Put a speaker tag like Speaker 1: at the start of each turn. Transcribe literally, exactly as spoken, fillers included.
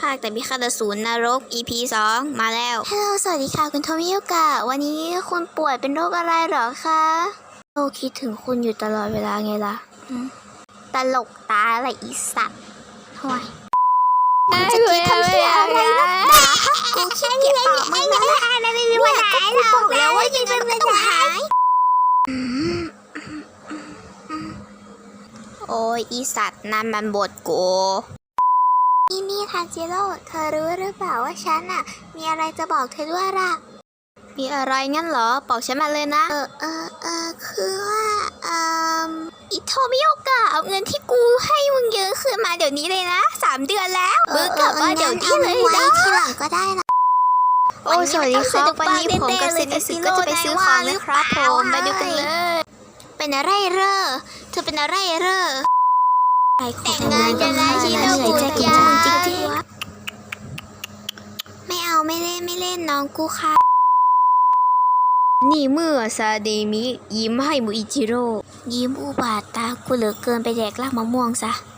Speaker 1: ภาคแต่พิฆาตอสูรนรก อี พี สองมาแล้วฮัลโหลสวัสดีค่ะคุณโทมิโยกะวันนี้คุณป่วยเป็นโรคอะไรหรอคะโอคิดถึงคุณอยู่ตลอดเวลาไงล่ะตลกตาอะไรอีสัตว์ห่วยมึงจะคิดทำเหี้ยอะไรนักหนากูขี้เกียจตอบมึงแล้วนะไม่มีวันหายหรอกแล้วว่ายังไงมันก็ต้องหายโอ้ยอีสัตว์นั่นมันบทกูนี่นี่ทาจิโร่เธอรู้หรือเปล่าว่าฉันน่ะมีอะไรจะบอกเธอด้วยล่ะมีอะไรงั้นเหรอบอกฉันมาเลยนะเออเออเออคือว่าเอ่ออิโทมิโยกะเอาเงินที่กูให้มึงเยอะคืนมาเดี๋ยวนี้เลยนะสามเดือนแล้วมึงกลับมาเดี๋ยวนี้เลยนะทีหลังก็ได้นะโอ้สวัสดีครับวันนี้ผมกับเซนิสึก็จะไปซื้อของนะครับผมไปดูกันเลยเป็นอะไรเร่อเธอเป็นอะไรเร่อแต่งงานกันแล้วชิโนกุยาไม่เอาไม่เล่นไม่เล่นน้องกูค่ะนี่เมื่อซาเดมิยิ้มให้มูอิจิโร่ยิ้มอุบาทตากูเหลือเกินไปแดกรากมะม่วงซะ